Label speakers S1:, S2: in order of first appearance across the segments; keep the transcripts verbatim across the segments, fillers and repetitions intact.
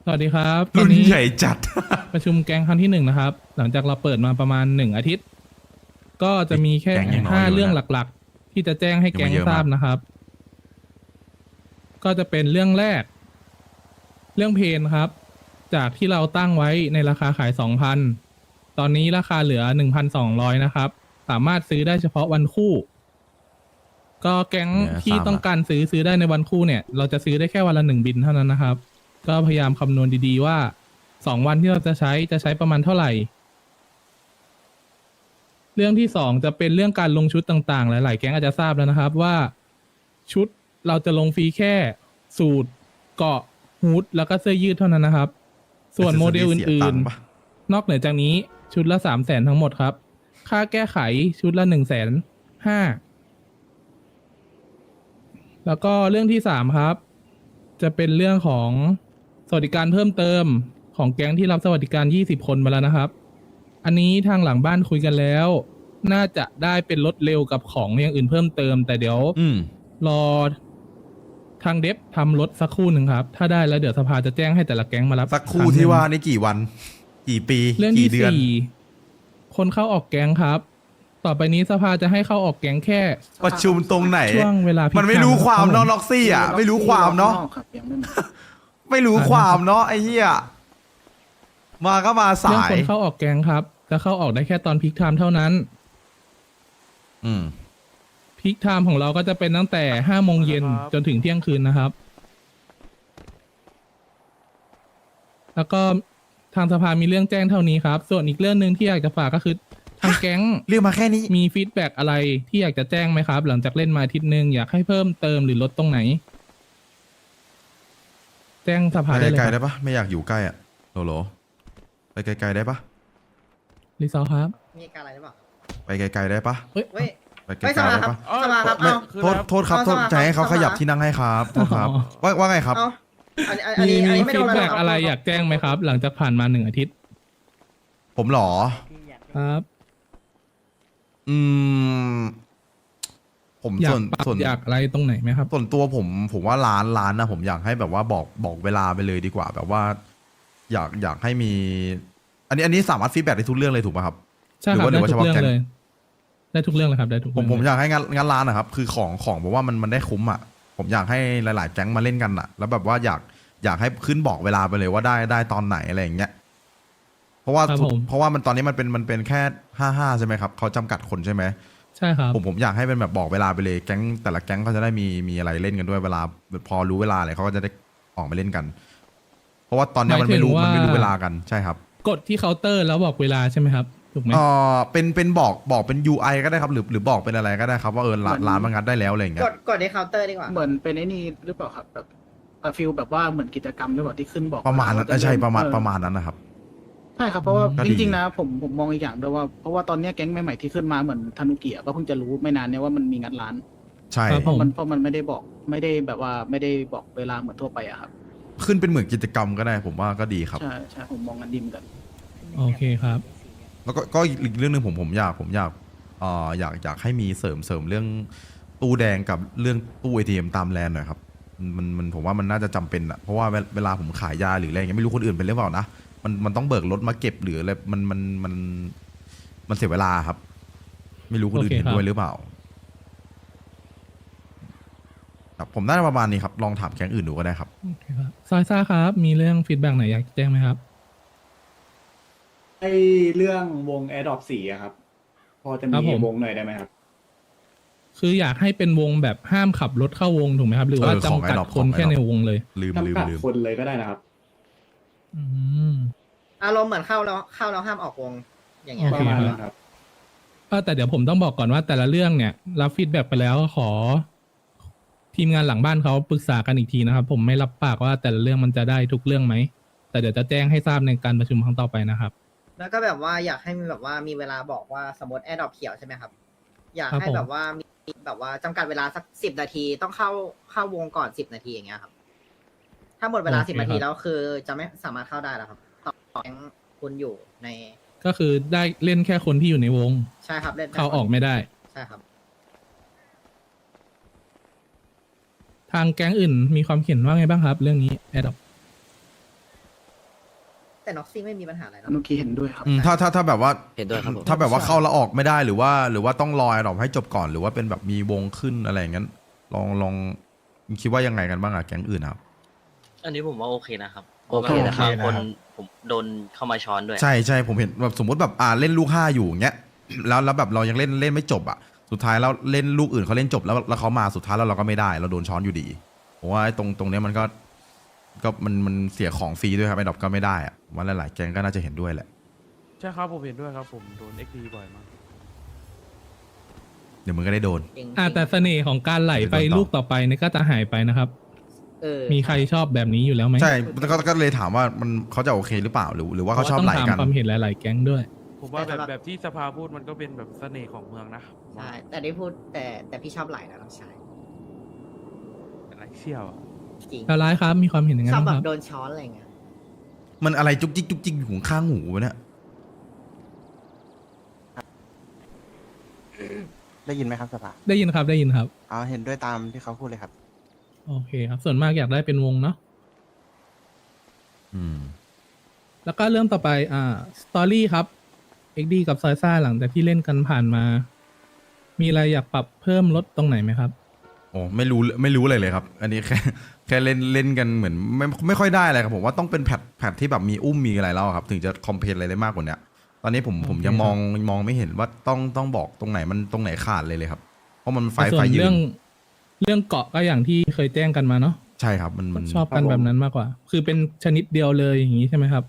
S1: สวัสดีครับตอ
S2: รุ่
S1: น
S2: น
S1: นี้
S2: ใหญ่จัด
S1: ประชุมแก๊งครั้งที่หนึ่งนะครับ หลังจากเราเปิดมาประมาณหนึ่งอาทิตย์ ก็จะมีแค่
S2: แก๊งยังน้อย
S1: ห้า
S2: อยู่นะ
S1: เรื่องหลักๆ ที่จะแจ้งให้แก๊ง
S2: ยังไม่เยอะ
S1: ทราบ
S2: มาก
S1: นะครับ ก็จะเป็นเรื่องแรก เรื่องเพนครับ จากที่เราตั้งไว้ในราคาขาย สองพัน ตอนนี้ราคาเหลือ หนึ่งพันสองร้อย นะครับ สามารถซื้อได้เฉพาะวันคู่ ก็แก๊ง
S2: เนี่ย
S1: ที่
S2: ทราบ
S1: ต้อง
S2: ละ
S1: การซื้อซื้อได้ในวันคู่เนี่ย เราจะซื้อได้แค่วันละหนึ่งบินเท่านั้นนะครับ ก็พยายามคำนวณดีๆว่าสองวันที่เราจะใช้จะใช้ประมาณเท่าไหร่ เรื่องที่สองจะเป็นเรื่องการลงชุดต่างๆ หลายๆ แก๊งอาจจะทราบแล้วนะครับว่าชุดเราจะลงฟรีแค่สูทเกราะฮูดแล้วก็เสื้อยืดเท่านั้นนะครับ ส่วนโมเดลอ
S2: เสียื่ตั
S1: น
S2: งค์ปะ
S1: ๆ นอกเหนือจากนี้ชุดละสามแสนทั้งหมดครับ ค่าแก้ไขชุดละหนึ่งแสนห้า แล้วก็เรื่องที่สามครับ จะเป็นเรื่องของสวัสดิการเพิ่มเติมของแก๊งที่รับสวัสดิการยี่สิบคนมาแล้วนะครับ อันนี้ทางหลังบ้านคุยกันแล้ว น่าจะได้เป็นรถเร็วกับของอย่างอื่นเพิ่มเติม แต่เดี๋ยว
S2: อืม
S1: รอทางเดฟทำรถสักครู่หนึ่งครับ ถ้าได้แล้วเดี๋ยวสภาจะแจ้งให้แต่ละแก๊งมารับ
S2: สักครู่
S1: รั้งหนึ่ง
S2: ที่ว่านี่กี่วัน กี่ปี
S1: เรื่อง
S2: กี่
S1: ที่
S2: เดือน
S1: สี่คนเข้าออกแก๊งครับ ต่อไปนี้สภาจะให้เข้าออกแก๊งแค่
S2: ประชุมตรงไหน
S1: ช่วงเวลาพิ
S2: มันไม่รู้
S1: ก
S2: ความ
S1: รับ
S2: เนาะ
S1: ผม
S2: ล็อกซี่อ่ะ ไม่รู้ความเนาะ
S3: ครับยังไม่มา
S2: ไม่รู้ความเนาะไอ้เหี้ย มาก็มา
S1: เรื่อง
S2: สาย
S1: คนเข้าออกแก๊งครับ จะเข้าออกได้แค่ตอนพีคไทม์เท่านั้น
S2: อืม
S1: พีคไทม์ของเราก็จะเป็นตั้งแต่ห้าโมงเย็นจนถึงเที่ยงคืนนะครับ แล้วก็ทางสภามีเรื่องแจ้งเท่านี้ครับ ส่วนอีกเรื่องหนึ่งที่อยากจะฝากก็คือ ทางแก๊ง
S2: เรียกมาแค่นี้
S1: มีฟีดแบ็กอะไรที่อยากจะแจ้งไหมครับ หลังจากเล่นมาอาทิตย์หนึ่งอยากให้เพิ่มเติมหรือลดตรงไหน แจ้งสภา
S2: ไป
S1: ได้เลย
S2: ไกล
S1: ค
S2: ๆได้
S1: รับ
S2: ปะไม่อยากอยู่ใกล้อ่ะโหลโหลไปไกลๆได้ปะ
S1: รีซอร์ครับ
S4: มีการอะไรหรือเปล่า
S2: ไปไกลๆได้ปะ
S4: เฮ้ย
S2: ไปไกล
S4: ไม่ส
S2: ๆ
S4: มา
S2: ได้
S4: ครับ
S2: ปะ
S4: สมาครับ
S2: ไม่
S4: เอา
S2: โทษโทษครับโทษ
S4: เอาสมา
S2: จะให้เขา
S4: เอา
S2: ข
S4: สมา
S2: ยับที่นั่งให้ครับโทษครับ
S1: อ๋อ
S2: ว่าว่าไงครับ
S4: เอาอันนี้อัน
S1: มี
S4: นี้อัน
S1: มี
S4: นี้ไม่
S1: ฟี
S4: โด
S1: ด
S4: นอะไร
S1: แบ็ก
S4: หก
S1: อะไร
S4: เ
S1: อยากแจ้งไหมครับ หลังจากผ่านมาหนึ่งอาทิตย์
S2: ผมเหรอ
S1: ครับ
S2: อืม ผม
S1: อยา
S2: ส่
S1: ก
S2: วน
S1: ปรับ
S2: ส่วน
S1: อยากอะไรตรงไหนไหมครับ
S2: ส่วนตัวผมผมว่าร้านร้านนะผมอยากให้แบบว่าบอกบอกเวลาไปเลยดีกว่า แบบว่า อยากอยากให้มี อันนี้อันนี้สามารถฟีดแบ็กได้ทุกเรื่องเลยถูกป่ะครับ
S1: ใช่
S2: หรื
S1: ครับ
S2: ว่าหรื
S1: ได้
S2: อว่า
S1: ทุ
S2: เฉ
S1: ก
S2: พาะ
S1: เรื่อง
S2: แก๊ง
S1: เลย ได้ทุกเรื่องเลยครับได้ทุก
S2: ผม
S1: เรื่อง
S2: ผม
S1: เล
S2: อยากให้งานงานร้านนะครับ คือของของบอกว่ามันมันได้คุ้มอ่ะผมอยากให้หลาย ๆ แก๊งมาเล่นกันอ่ะ แล้วแบบว่าอยากอยากให้ขึ้นบอกเวลาไปเลยว่าได้ได้ตอนไหนอะไรอย่างเงี้ยเพราะว่า
S1: ครับผม
S2: เพราะว่ามันตอนนี้มันเป็นมันเป็นแค่ห้าห้าใช่ไหมครับเขาจำกัดคนใช่ไหม
S1: ใช่ครับ
S2: ผมผมอยากให้เป็นแบบบอกเวลาไปเลยแก๊งแต่ละแก๊งเขาจะได้มีมีอะไรเล่นกันด้วยเวลาพอรู้เวลาอะไรเขาก็จะได้ออกมาเล่นกัน เพราะว่าตอนเนี้ยมันไม่รู้
S1: หมายถึงว่ามั
S2: มันไม่รู้เวลากันใช่ครับ
S1: กดที่เคาน์เตอร์แล้วบอกเวลาใช่ไหมครับ ถูกไหม
S2: เออเป็นเป็นบอกบอกเป็น ยู ไอ ก็ได้ครับหรือหรือบอกเป็นอะไรก็ได้ครับว่าเออร้านร้านมันงัดได้แล้วอะไรอย่างเงี้
S4: ก
S2: ย
S4: ดกดในเคาน์เตอร์ดีกว่า
S3: เหมือนเป็นไอ้นี่หรือเปล่าครับแบบฟิลแบบว่าเหมือนกิจกรรมหรือเปล่าที่ขึ้นบอก
S2: ประมาณนั้น
S3: ว่จ
S2: ใช่ประมาณ
S3: เออ
S2: ประมาณนั้นนะครับ
S3: ใช่ครับเพราะว่า
S2: ก็
S3: จ
S2: ดี
S3: ริงๆนะผมผมมองอีกอย่างด้วยว่าเพราะว่าตอนเนี้ยแก๊งใหม่ๆที่ขึ้นมาเหมือนธนุกิอะก็เพิ่งจะรู้ไม่นานเนี่ยว่ามันมีงัดร้าน
S2: ใช่
S1: ครับ
S3: เพ
S1: ผ
S3: ราะ
S1: ม
S3: มันเพราะมันไม่ได้บอกไม่ได้แบบว่าไม่ได้บอกเวลาเหมือนทั่วไปอะครับ
S2: ขึ้นเป็นเหมือนกิจกรรมก็ได้ ผมว่าก็ดีครับ
S3: ใช่ใช่ผมมองกันดีเหมือนกัน
S1: โอเคครับ
S2: แล้วก็ก็อีกเรื่องหนึ่งผมผมอยากผมอยากเอ่ออยากอยากให้มีเสริมเสริมเรื่องตู้แดงกับเรื่องตู้ เอ ที เอ็ม ตามแลนด์หน่อยครับมันมันผมว่ามันน่าจะจำเป็นอะเพราะว่าเวลเวลาผมขายยาหรืออะไรอย่างเงี้ยไม่รู้คนอื่นเป็นหรือเปล่านะมันมันต้องเบิกรถมาเก็บหรืออะไรมันมันมันมันเสียเวลาครับ ไม่รู้คนอื่น
S1: โอเค
S2: เห็น
S1: ครับ
S2: ด้วยหรือเปล่าครับผมน่าจะประมาณนี้ครับลองถามแก๊งอื่นดูก็ได้ครับ
S1: โอเคครับซอยซ่าครับ มีเรื่องฟีดแบ็กไหนอยากแจ้งไหมครับ
S5: ไอเรื่องวง a อ o p สี่อะครับ พอจะ
S1: ครับ
S5: มี
S1: ผม
S5: วงหน่อยได้ไหมครับ
S1: คืออยากให้เป็นวงแบบห้ามขับรถเข้าวงถูกไหมครับ หรือว่า
S2: เออของ
S1: จำกัด
S2: Adopt
S1: คน
S2: ของ
S1: แค่
S2: Adopt
S1: ในวงเลย
S2: ลืมลืม
S5: จำกัด
S2: ลืม
S5: คนเลยก็ได้นะครับ
S1: อืม
S4: อารมณ์เหมือนเข้าแล้วเข้าแล้วห้ามออกวง อย่างเงี้ย
S1: โอ
S5: ป
S1: เค
S5: ระมาณ
S1: ครับ
S5: นั้นครับ
S1: เออแต่เดี๋ยวผมต้องบอกก่อนว่าแต่ละเรื่องเนี่ยรับฟีดแบ็กไปแล้วขอ ทีมงานหลังบ้านเขาปรึกษากันอีกทีนะครับ ผมไม่รับปากว่าแต่ละเรื่องมันจะได้ทุกเรื่องไหม แต่เดี๋ยวจะแจ้งให้ทราบในการประชุมครั้งต่อไปนะครับ
S4: แล้วก็แบบว่าอยากให้มีแบบว่ามีเวลาบอกว่าสมมติแอร์ดรอปเขียวใช่ไหมครับ อยาก
S1: ครับ
S4: ให้
S1: ผม
S4: แบบว่ามีแบบว่าจำกัดเวลาสักสิบนาทีต้องเข้าเข้าวงก่อนสิบนาทีอย่างเงี้ยครับ ถ้าหมดเวลาสิบนาทีแล้วคือจะไม่สามารถเข้าได้แล้วครับต่อแก๊งคุณอยู่ใน
S1: ก็คือได้เล่นแค่คนที่อยู่ในวง
S4: ใช่ครับเล่นได้
S1: เข้าออกไม่ได้
S4: ใช่ครับ
S1: ทางแก๊งอื่นมีความเห็นว่าไงบ้างครับ เรื่องนี้แอดดอ
S4: แต่น็อกซี่ไม่มีปัญหาอะไร
S3: ธ
S4: นะ
S3: นุกิเห็นด้วยครับ
S2: อืมถ้าถ้าถ้าแบบว่า
S6: เห็นด้วยครับผม
S2: ถ้าแบบว่าเข้าแล้วออกไม่ได้หรือว่า หรือว่าต้องรอไอ้ดอกให้จบก่อนหรือว่าเป็นแบบมีวงขึ้นอะไรอย่างนั้นลองลองคิดว่ายังไงกันบ้างอะแก๊งอื่นครับ
S7: อันนี้ผมว่าโอเคนะครับ
S6: โอเคนะครับ
S7: บางคนผมโดนเข้ามาช้อนด้วย
S2: ใช่ใช่ผมเห็นแบบสมมติแบบอ่าเล่นลูกห้าอยู่อย่างเงี้ยแล้วแล้วแบบเรายังเล่นเล่นไม่จบอ่ะสุดท้ายแล้วเล่นลูกอื่นเขาเล่นจบแล้วแล้วเขามาสุดท้ายแล้วเราก็ไม่ได้เราโดนช้อนอยู่ดีผมว่าไอ้ตรงตรงเนี้ยมันก็ก็มันมันเสียของฟรีด้วยครับไอ้ดอกก็ไม่ได้อ่ะว่าหลายๆแก๊งก็น่าจะเห็นด้วยแหละ
S8: ใช่ครับผมเห็นด้วยครับผมโดนเอ็กดีบ่อยมาก
S2: เดี๋ยวมึงก็ได้โดน
S4: จริง
S1: อ่าแต่เสน่ห์ของการไหลไป
S2: เดี๋ยวโดนต่อ
S1: ลูกต่อไปเนี่ยก็จะหายไปนะครับ
S4: เออ
S1: มีใครชอบแบบนี้อยู่แล้วไหม
S2: ใช่แล้วก็ก็เลยถามว่ามันเขาจะโอเคหรือเปล่าหรือหรือว่าเขาชอบไหล
S1: พระว่
S2: กั
S1: ต้อน งถามความเห็นหลาย ๆ แก๊งด้วย
S8: ผมว่าแบบแบบที่สภาพูดมันก็เป็นแบบเสน่ห์ของเมืองนะผมว่า
S4: ใช่แต่ได้พูดแต่แต่พี่ชอบไหลนะน้องชาย
S8: อะไรเชี่ยวอะ
S4: จริง
S1: แล้วร้ายครับ มีความเห็นยังไง
S4: ชอบ
S1: บ้าง
S4: แบ
S1: ครับ บ
S4: โดนช้อนอะไรเงี้ย
S2: มันอะไรจุกจิกจุกจิกอยู่ข้างหูวะเนี่ย
S9: ได้ยินไหมครับสภา
S1: ได้ยินครับ ได้ยินครับ
S9: อ๋อเห็นด้วยตามที่เขาพูดเลยครับ
S1: โอเคครับ ส่วนมากอยากได้เป็นวงเนาะ
S2: อืม
S1: แล้วก็เรื่องต่อไป อ่า สตอรี่ครับ เอ็กดีกับซอยซ่าหลังจากที่เล่นกันผ่านมา มีอะไรอยากปรับเพิ่มลดตรงไหนไหมครับ
S2: โอ้ไม่รู้ไม่รู้เลยเลยครับ อันนี้แค่ แค่เล่นเล่นกันเหมือนไม่ไม่ค่อยได้อะไรครับผมว่าต้องเป็นแพทแพทที่แบบมีอุ้มมีอะไรแล้วครับ ถึงจะคอมเพลนอะไรได้มากกว่าเนี้ยตอนนี้ผมผมยังมองมองไม่เห็นว่าต้องต้องบอกตรงไหนมันตรงไหนขาดเลยเลยครับ เพราะมันไฟ
S1: ส่
S2: ไฟ
S1: วน
S2: ยื
S1: เรื่
S2: น
S1: องเรื่องเกาะก็อย่างที่เคยแจ้งกันมาเนาะ
S2: ใช่ครับมันมัน
S1: ชอบกันแบบนั้นมากกว่า คือเป็นชนิดเดียวเลยอย่างนี้ใช่ไหมครับ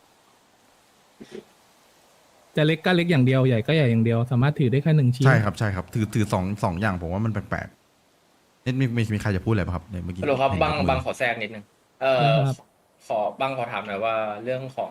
S1: จะเล็กก็เล็กอย่างเดียวใหญ่ก็ใหญ่อย่างเดียว สามารถถือได้แค่หนึ่งชิ้น
S2: ใช่ครับใช่ครับ ถือถือสองสองอย่างผมว่ามันแปลกๆนี่มีมีมีใครจะพูดอะไรป่ะครับเนี่ยเมื่อกี้
S10: ฮัลโหลครับ
S2: เห็น
S10: บาง
S2: ยกมือบ
S10: างขอแทรกนิดนึง เอ่อ ขอบางขอถามหน่อยว่าเรื่องของ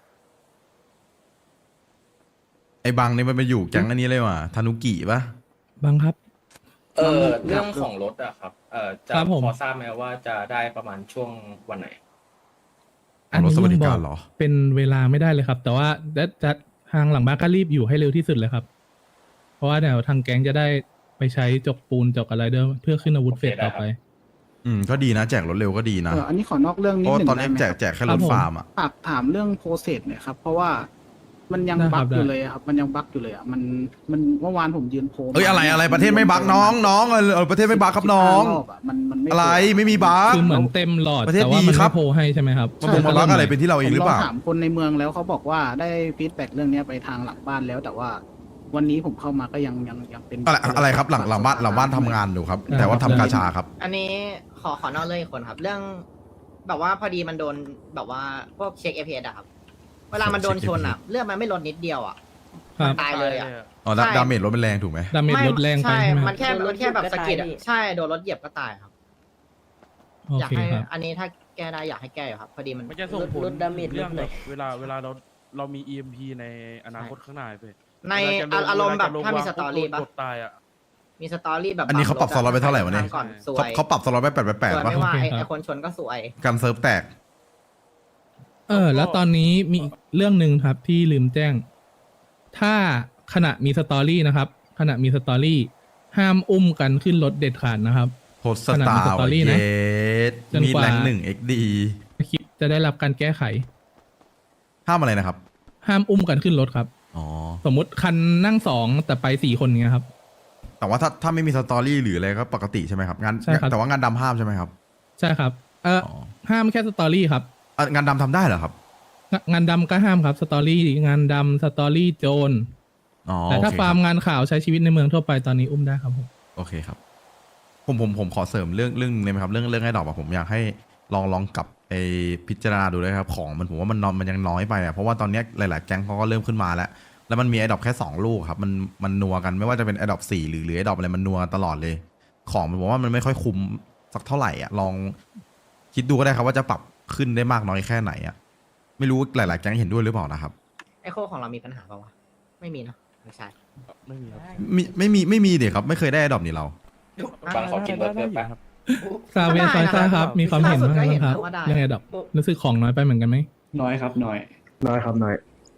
S2: ไอ้บังนี่มันไปอยู่แก๊งอันนี้เลยว่ะธนุกิป่ะ
S1: บางครับ
S10: เอ่อเรื่องของรถอะครับ เอ่อจะ
S1: ครับผม
S10: พอทราบไหมว่าจะได้ประมาณช่วงวันไหน
S1: อัน
S2: รถ
S1: นี้
S2: สวัสดิ
S1: ยังบ
S2: กา
S1: อ
S2: ร
S1: ก
S2: เหรอ
S1: เป็นเวลาไม่ได้เลยครับ แต่ว่าจะจะทางหลังบ้านก็รีบอยู่ให้เร็วที่สุดเลยครับ เพราะว่าเดี๋ยวทางแก๊งจะได้ไปใช้จกปูนจกอะไรเดิมเพื่อขึ้นอาวุธเฟสต่อไป
S2: อืมก็ดีนะแจกรถเร็วก็ดีนะ
S3: เอออันนี้ขอนอกเรื่อง
S2: เพ
S3: นิด
S2: ราะ
S3: ห
S2: ว่า
S3: นึ่ง
S2: ตอนนี้
S3: ได้ไหม
S2: แจ
S3: ค
S2: ก
S3: รับ
S2: แจกแค่
S1: ครั
S2: ร
S1: บ
S2: ถ
S1: ผม
S2: ฟาร์มอ่ะ
S3: ฝากถามเรื่องโปรเซสหน่อยครับ เพราะว่ามันยัง
S1: ได้ค
S3: บั
S1: รั
S3: ๊
S1: บ
S3: กอยู่
S1: ได้
S3: เลยอะครับ มันยังบั๊กอยู่เลยอะมันมันเมื่อวานผมยืนโพล
S2: เอ้ยอะไรอะไรประเทศไม่บักน้องน้องเออเออประเทศไม่บักครับน้อง
S3: รอบอะมันมันไม่
S2: อะไรไม่มีบัก
S1: คือเหมือนเต็มหลอด
S2: ประเทศ
S1: แต่ว่า
S2: ดี
S1: มัน
S2: ครั
S1: ไม่
S2: บ
S1: โพลให้ใช่ไหมครับ
S2: มันคงมาบักอะไรเป็นที่เราเองหรือเปล่า
S3: ผมลองถามคนในเมืองแล้วเขาบอกว่าได้ฟีดแบ็กเรื่องเนี้ยไปทางหลังบ้านแล้ว แต่ว่าวันนี้ผมเข้ามาก็ยังยังยังเป็น
S2: อะไรอะไรครับหลังหลังบ้านหลังบ้านทำงานอยู่ครับ แต่ว่าทำกาชาครับ
S4: อันนี้ขอขอนอกเรื่องอีกคนครับ เรื่อง แบบว่าพอดีมันโดนแบบว่าพวกเช็คเอพีเอสอะครับ เวลามันโดนชนอะเลือดมันไม่ลดนิดเดียวอะ
S1: ครับ
S4: ตายเลยอะ
S2: อ๋อดา
S4: ใช่
S2: ดาเมจรถเป็นแรงถูกไหม
S1: ดาเมจลดแรงไป
S4: ใช่
S1: ใช่ไหมค
S4: มั
S1: รับ
S4: นแค่มันแค่แบบสะกิดอะใช่โดนรถเหยียบก็ตายครับ
S1: โอ
S4: อยาก
S1: เค
S4: ให้
S1: ครับ
S4: อันนี้ถ้าแก้ได้อยากให้แก้อยู่ครับ พอดีมัน
S8: มันจะส่งผล
S6: ลดดาเมจ
S8: เรื่อง
S6: ลดห
S8: แบ
S6: น่อย
S8: บเวลาเวลาเราเรามี อี เอ็ม พี ในอนาคตข้างหน้าไป
S4: ใน
S8: เวลจะลง
S4: อารมณ์แบบ
S8: เวลจะลง
S4: ถ้ามี
S8: วง
S4: สตอรี่
S8: ปุ๊บ
S4: ปะ
S8: โดนกดตายอ่ะ
S4: มีสตอรี่แบบ
S2: อันนี้เขาปรับสล็อตไปเท่าไหร่วะเนี่ย
S4: ก่อนสว
S2: เขา
S4: ย
S2: เขาปรับสล็อตไปแปดแปดแปด
S4: สวย
S2: ป่ะ
S4: ไม่ว่าไอ้
S1: โอเคครับ
S4: ไอ้คนชนก็สวย
S2: การเซิร์ฟแตก
S1: เออ แล้วตอนนี้มีอีกเรื่องหนึ่งครับที่ลืมแจ้ง ถ้าขณะมีสตอรี่นะครับ ขณะมีสตอรี่ห้ามอุ้มกันขึ้นรถเด็ดขาดนะครับ
S2: โพสต์สตาร์
S1: ขนาดมีสตอรี่
S2: เย
S1: นะ
S2: ส
S1: จน
S2: มี
S1: กว่า
S2: แรงหนึ่งเอ็กดี
S1: คลิปจะได้รับการแก้ไข
S2: ห้ามอะไรนะครับ
S1: ห้ามอุ้มกันขึ้นรถครับ
S2: อ๋อ
S1: สมมุติคันนั่งสองแต่ไปสี่คนเงี้ยครับ
S2: แต่ว่าถ้าถ้าไม่มีสตอรี่หรืออะไรก็ปกติใช่ไหมครับงาน
S1: ใช่ครับ
S2: แต่ว่างานดำห้ามใช่ไหมครับ
S1: ใช่ครับ เออ
S2: อ๋อ
S1: ห้ามแค่สตอรี่ครับ
S2: อ่ะงานดำทำได้เหรอครับ
S1: งงานดำก็ห้ามครับสตอรี่งานดำสตอรี่โจร
S2: อ๋อ
S1: แต่ถ้า
S2: โอเค
S1: ฟาร์ม
S2: ครับ
S1: งานข่าวใช้ชีวิตในเมืองทั่วไปตอนนี้อุ้มได้ครับผม
S2: โอเคครับ ผมผมผมขอเสริมเรื่องเรื่องนึงได้ไหมครับ เรื่องเรื่องไอ้ดอกอะผมอยากให้ลองลองกลับไปพิจารณาดูด้วยครับ ของมันผมว่ามันนอนมันยังน้อยไปอะเพราะว่าตอนเนี้ยหลาย ๆ แก๊งเขาก็เริ่มขึ้นมาแล้ว แล้วมันมีไอ้ดอกแค่สองลูกครับ มันมันนัวกันไม่ว่าจะเป็นไอ้ดอกสี่หรือหรือไอ้ดอกอะไรมันนัวกันตลอดเลย ของมันผมว่ามันไม่ค่อยคุ้มสักเท่าไหร่อ่ะลองคิดดูก็ได้ครับว่าจะปรับขึ้นได้มากน้อยแค่ไหนอ่ะไม่รู้หลาย ๆ แก๊งเห็นด้วยหรือเปล่านะครับ
S4: ไอโคของเรามีปัญหาปะวะ ไม่มีเนอะไม่ใช่
S8: ไม่มีครับ
S2: มีไม่มีไม่มีเด็กครับ ไม่เคยได้ไอ้ดอกนี่เรา
S10: บางขอกินเบอร์เกอร์แป๊บ
S1: ซาเวซอยซ่าครับ มีความเห็นบ้างไหมครับ
S4: ว่าได้
S1: เรื่องไอ้ดอกรู้สึกของน้อยไปเหมือนกันไหม
S5: น้อยครับน้อย
S9: น้อยครับน้อย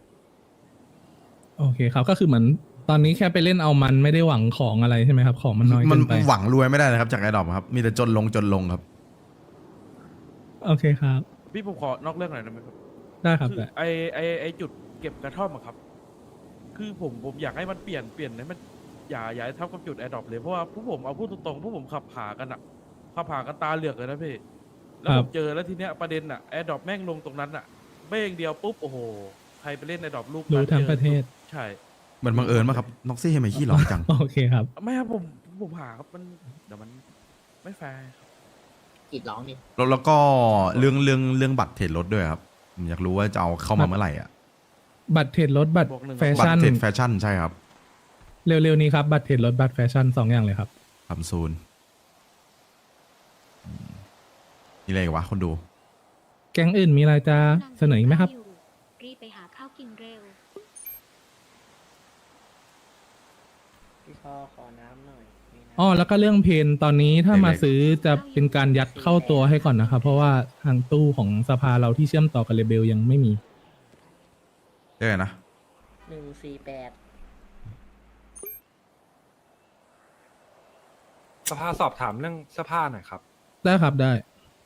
S1: โอเคครับก็คือเหมือนตอนนี้แค่ไปเล่นเอามันไม่ได้หวังของอะไรใช่ไหมครับ ของมันน้อย
S2: มั
S1: เกิ
S2: น
S1: นไป
S2: หวังรวยไม่ได้นะครับจากไอ้ดอกครับ มีแต่จนลงจนลงครับ
S1: โอเคครับ
S8: พี่ผมขอนอกเรื่องหน่อยได้ไหมครับ
S1: ได้ครับ
S8: คือ
S1: ได้
S8: ไอไอไอจุดเก็บกระท่อมอะครับ คือผมผมอยากให้มันเปลี่ยนเปลี่ยนให้มันอย่าอย่าให้เท่ากับจุดแอร์ดรอปเลยเพราะว่าผู้ผมเอาพูดตรงๆผู้ผมขับผ่ากันอะขับผ่ากันตาเหลือกเลยนะพี่แล้วผมเจอแล้วทีเนี้ยประเด็นอะแอร์ดรอปแม่งลงตรงนั้นอะเบ้งเดียวปุ๊บโอ้โหใครไปเล่นแอร์ดรอปลูก
S1: รู้
S8: นั้น
S1: ทั้ง
S8: จอ
S1: ประเทศ
S8: ใช่
S2: เหมือนบังเอิญป่ะครับน็อกซี่ทำไมขี้ร้อนจัง
S1: โอเคครับ
S8: ไม่ครับผมผมผ่าครับมันเดี๋ยวมันไม่แฟร์ครับ
S4: กรีดร้องดิ
S2: แล้วแล้วก็เรื่องเรื่องเรื่องบัตรเทรดรถด้วยครับผมอยากรู้ว่าจะเอาเข้ามาเมื่อไหร่อ่ะ
S1: บัตรเทรดรถบัตร
S8: บวกหนึ่ง
S1: แฟ
S2: บัต
S1: ชั่
S2: ร
S1: น
S2: เทรดแฟชั่นใช่ครับ
S1: เร็วๆนี้ครับบัตรเทรดรถบัตรแฟชั่นสองอย่างเลยครับ
S2: ทำซูนอืมนี่อะไรอีกวะคนดู
S1: แก๊งอื่นมีอะไรจะเสนออีกไหมครับ
S6: รีบไปหาข้าวกินเร็ว
S4: พี่ชอขอน้ำหน่อย
S1: อ๋อแล้วก็เรื่องเพนตอนนี้ถ้ามา
S2: เล็กๆ
S1: ซื้อจะเป็นการยัดเข้าตัวให้ก่อนนะครับ เพราะว่าทางตู้ของสภาเราที่เชื่อมต่อกับเรเบลยังไม่มี
S2: เรียกไงนะ
S4: หนึ่งสี่แปด
S11: สภาสอบถามเรื่องเสื้อผ้าหน่อยครับ
S1: ได้ครับได้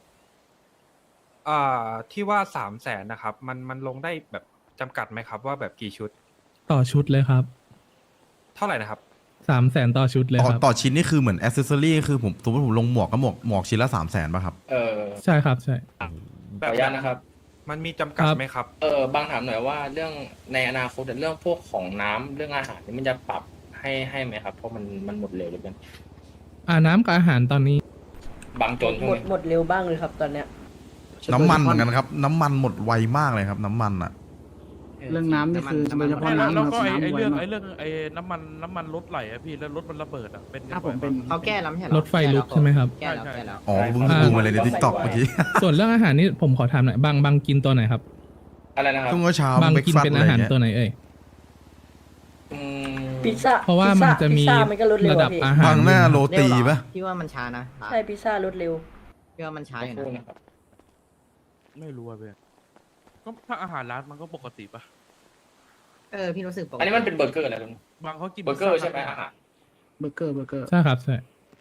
S11: อ่าที่ว่าสามแสนนะครับ มันมันลงได้แบบจำกัดไหมครับ ว่าแบบกี่ชุด
S1: ต่อชุดเลยครับ
S11: เท่าไหร่นะครับ
S1: สามแสนต่อชุดเลย
S2: ต่อ
S1: ครับ
S2: ต่อชิ้นนี่คือเหมือนอ c เซสซอรี่คือผมสมมติผมลงหมวกก็หมวกหมวกชิ้นละสามแสนป่ะครับ
S10: เออ
S1: ใช่ครับใช่
S10: ขออนุญาตนะครับ
S11: มันมีจำกัด
S1: ครับ
S11: ไหมครับ
S10: เออบางถามหน่อยว่าเรื่องในอนาคตเรื่องพวกของน้ำเรื่องอาหารนี่มันจะปรับให้ให้ไหมครับ เพราะมันมันหมดเร็วเหลือเกิน
S1: อ่าน้ำกับอาหารตอนนี้
S10: บางจนช่ว
S4: หม
S10: ง
S4: ด
S10: นี้
S4: หมดเร็วบ้างเลยครับตอนเนี้ย
S2: น้ำมันเหมือนกันครับ น้ำมันหมดไวมากเลยครับ น้ำมันอ่ะ
S3: เรื่องน้ำนี่คือโดยเฉพาะ
S8: ไม่แล้ว
S3: น้ำ
S8: แล้ว
S3: นะ
S8: ก็
S3: ครับ
S8: ไอไอ
S3: น้ำไว
S8: เรื่อง
S3: มาก
S8: ไอเรื่องไอน้ำมันน้ำมันรถไหลอะพี่แล้วรถมันระเบิดอะเป็น
S3: ถ้าผมเป็น
S4: เขาแก้แล้วไม่ใช่เหรอ
S1: รถไฟลุกใช่ไหมครับ
S4: แก้แล้วแก้แล้ว
S2: อ๋อเพิ่งดูมาเลยในทิกตอกเมื่อกี้
S1: ส่วนเรื่องอาหารนี่ผมขอถามหน่อยบางบางกินตัวไหนครับ
S10: อะไรนะครับ
S2: ช่วงเช้า
S1: บาง
S2: เบรก
S1: กิน
S2: ฟาส
S1: เป็น
S2: อะไร
S1: อาหาร
S2: เงี้ย
S1: ตัวไหนเอ่ย
S10: อืม
S4: พิซซ่า
S1: เพราะว่ามันจะมี
S4: พิซซ่ามันก็ลดเร็ว
S1: ระดับ
S4: อะพี่
S1: อาหาร
S2: บางหน้าโรตี
S4: เร็วเหรอ
S2: ป่ะ
S4: พี่ว่ามันช้านะใช่พิซซ่ารถเร็วพี่ว่ามันช้าอยู่
S10: สักครู่
S4: นะ
S10: นะครับ
S8: ไม่รู้อะเพื่อนก็ถ้าอาหารร้านมันก็ปกติปะ
S4: เออพี่รู้สึกปกติ
S10: อันนี้มันเป็นเบอร์เกอร์อะไรลุง
S8: บางเขากิน
S10: เบอร์เกอร์ใช่ไหมอาหาร
S3: เบอร์เกอร์เบอร์เกอร์
S1: ใช่ครับใช่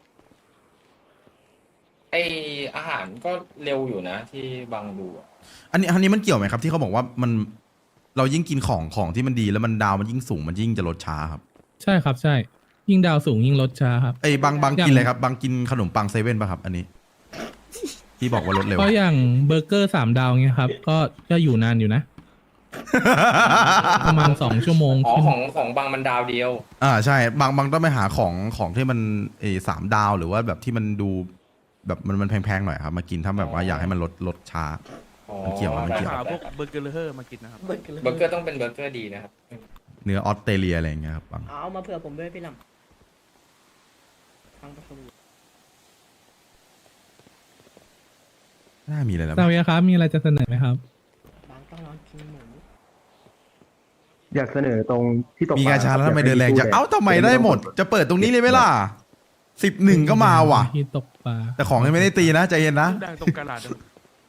S10: ไออาหารก็เร็วอยู่นะ ที่บางดูอะ
S2: อันนี้อันนี้มันเกี่ยวไหมครับ ที่เขาบอกว่ามันเรายิ่งกินของของที่มันดีแล้วมันดาวมันยิ่งสูงมันยิ่งจะลดช้าครับ
S1: ใช่ครับใช่ ยิ่งดาวสูงยิ่งลดช้าครับ
S2: ไอ้ยบางบาง
S1: อย่าง
S2: กินอะไรครับ บางกินขนมปังเซเว่นป่ะครับ อันนี้ ที่บอกว่าลดเร็ว
S1: เพราะอย่างเบอร์เกอร์สามดาวเงี้ยครับ ก็ก็อยู่นานอยู่นะ ประมาณสองชั่วโมง
S10: อ๋อ
S1: ขึ้น
S10: ของของบางมันดาวเดียว
S2: อ่าใช่ บางบางต้องไปหาของของที่มันเออสามดาวหรือว่าแบบที่มันดูแบบมันมันแพงๆหน่อยครับ มากินถ้าแบบว่าอยากให้มันลดลดช้า
S10: อ๋อ
S2: มันเกี่ยวไหมมัน
S8: ไป
S2: เกี่ยว
S8: หาพวกเบอร์เกอร์เลอร์มากินนะครับ
S4: เบอร์เกอร์
S10: เบอร์เกอร์ต้องเป็นเบอร์เกอร์ดีนะครับ
S2: เนื้อออสเตรเลียอะไรอย่างเงี้ยครับบาง
S4: เอามาเผื่อผมด้วยพี่ลำฟังประชุม
S2: น่ามีอะไรแล้ว
S1: ซาเวียครับ มีอะไรจะเสนอไหมครับ
S4: บางต้องนอนกินหมู
S9: อยากเสนอตรงที่ตก
S2: มี
S9: ปล
S2: กาชาแล้วทำไมเดินแรงจังเอ้าทำไมได้หมด จะเปิดตรงนี้เลยไหมล่ะสิบหนึ่งก็มาว่ะ
S1: ที่ตกปลา
S2: แต่ของยังไม่ได้ตีนะใจเย็นนะ
S8: ดังตรงกระดาษอะ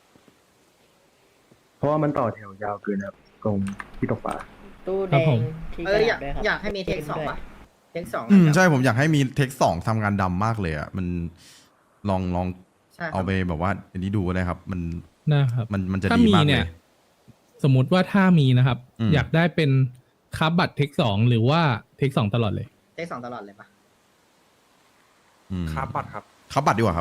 S9: เพราะว่ามันต่อแถวยาวเกินครับตรงที่ตกปลา
S4: ตู้แด
S1: ครับผ
S4: ง
S1: ม
S4: ที่
S12: เอออยาก
S4: กระดษด้วยครับ
S12: อยากให้มีเทคสองปะเทคสอง
S2: อืมใช่ผมอยากให้มีเทคสองทำงานดำมากเลยอ่ะมันลองลอง
S12: ใช่ครับ
S2: เอาไปแบบว่าอันนี้ดูก็ได้ครับ มัน
S1: นะครับ
S2: มันมันจะ
S1: ถ้า
S2: ดี
S1: มี
S2: มากเล
S1: เนี่ย
S2: ย
S1: สมมุติว่าถ้ามีนะครับ
S2: อืม
S1: อยากได้เป็นคับบัตรเทคสองหรือว่าเทคสองตลอดเลย
S12: เทคสองตลอดเลยปะ
S2: อืม
S11: ครับบัตรครับ
S2: ครับบัตรดีกว่าครับ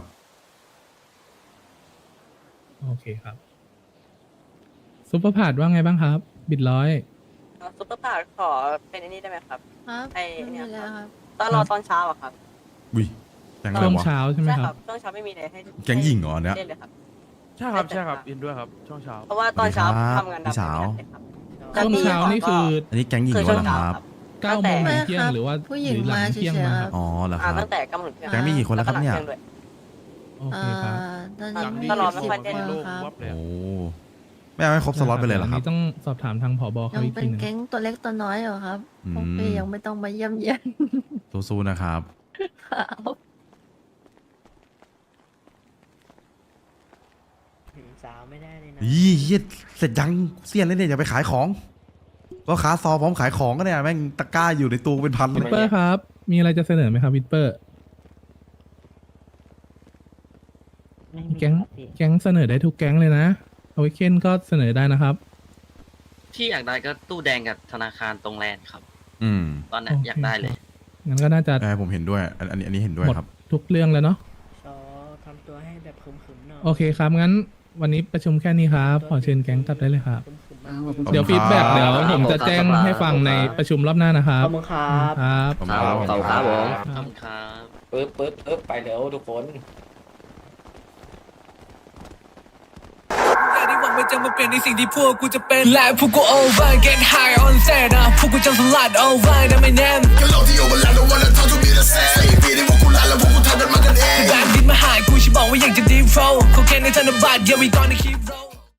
S1: โอเคครับซุปเปอร์พาดว่าไงบ้างครับ บิดร้อย
S4: ซุปเปอร์พาร์ขอเป็นอันนี้ได้ไหมครับ
S6: ครับ
S4: ไอ้เนี่ย
S6: ไม่มีแล้วครับ
S4: ตอนรอตอนเช้าอะครับ
S2: อุ้ยแก๊งอะไร
S1: ช่วง
S2: วะ
S1: เช้าใช่ไหม
S4: ใช่
S1: ค
S4: ค
S1: รั
S4: รับ บช่วงเช้าไม่มีอะไรให้
S2: แก๊งหญิงเหรอเนี่ย
S4: เล่นเลยครับ
S8: ใช่ครับใช่ครับอินด้วยครับช่วงเช้า
S4: เพราะว่าตอนเช้า
S2: สวัสดีครับ
S4: ทำงานดำ
S2: พี่สาว
S4: ไม่ได้เลยครับ
S1: ช่วงเช้านี่คือ
S2: อันนี้แก๊งหญิง
S4: คือ
S2: เหร
S4: ช่ว
S2: อง
S4: เช้า
S2: ครับ
S4: ครับ
S1: เก้าโมง
S6: ไม่
S1: ถึงเที่ยง
S6: ครับ
S1: หรือว่า
S6: ผู้หญิง
S1: รือลั
S6: มาเฉ
S1: เที่ยง
S6: ย
S1: มา
S6: ๆ
S1: ค
S6: ค
S1: รั
S6: รับ บ
S2: อ๋อเหรอค
S4: อ่า
S2: รับ
S4: ตั้งแต่กำหนดเที่ยง
S2: แก๊งมีกี่คนแล้วครับเนี่ย
S4: ก็หงที่งด้วย
S1: โอเคครับ
S6: อ่าตอนนี้มี
S4: ตลอดไม่
S6: สิบ
S4: ค่อยได้
S6: คน
S8: โล่ง
S6: ครับ
S8: วับเลย
S2: โอ้
S8: อะ
S2: ไม่เอาให้ครบสล็อตไปเลยเหรอ
S1: อัน
S2: ครับ
S1: นี้ต้องสอบถามทางผบ
S6: ยั
S1: เขา
S6: ง
S1: อีก
S6: เป็
S1: ที
S6: น
S1: หนึง
S6: แก๊งตัวเล็กตัวน้อยอยู่ครับ
S2: อืม
S6: พวกพี่ยังไม่ต้องมาเยี่ยมเยียน
S2: สู้ๆนะครับ
S6: ครับ
S4: สาวไม่ได้เลยนะ
S2: ยี่เฮียเสร็จยังเสี้ยนเลยเนี่ยอย่าไปขายของก็ขาซอพร้อมขายของก็เนี่ยแม่งตะกร้าอยู่ในตู้เป็นพันเล
S1: วิ
S2: ย
S1: ปเปอร์ครับ มีอะไรจะเสนอไหมครับวิปเปอร์ แก๊งแก๊งเสนอได้ทุกแก๊งเลยนะเอาไว้เคนก็เสนอได้นะครับ
S7: ที่อยากได้ก็ตู้แดงกับธนาคารตรงแลนด์ครับ
S2: อืม
S7: ตอนเนี้ยอยากได้เลย
S1: งั้นก็น่าจะ
S2: เออผมเห็นด้วย อันอันนี้อันนี้เห็นด้วย
S1: หมด
S2: ครับ
S1: ทุกเรื่องแล้วเนาะ
S12: ซอทำตัวให้แบบขึมๆหน่อย
S1: โอเคครับ งั้นวันนี้ประชุมแค่นี้ครับ ขอเชิญแก๊งกลับได้เลยครับ
S3: อ่าขอบคุณ
S1: เดี๋ยว
S2: ขอบคุณ
S1: ฟีดแบ็ก
S2: ครับ
S1: เดี๋ยวผมจะแจ้งให้ฟังในประชุมรอบหน้านะครับ
S12: ขอบคุณครับ
S1: ครับ
S2: ขอบคุณครับ
S7: ขอบคุณครับผม
S1: ค
S7: ข
S1: รั
S7: อบบ คุณครับ
S10: ปึ๊บปึ๊บปึ๊บไปเร็วทุกคน
S13: ได้หวังว่าจะมาเปลี่ยนในสิ่งที่พวกกูจะเป็นและพวกกู over get high on set นะพวกกูจะสลัด over นะไม่แน่แบบดินมาหายกูฉันบอกว่าอยากจะ deep flow เขาแค่ในธนบัตร yeah we gonna keep roll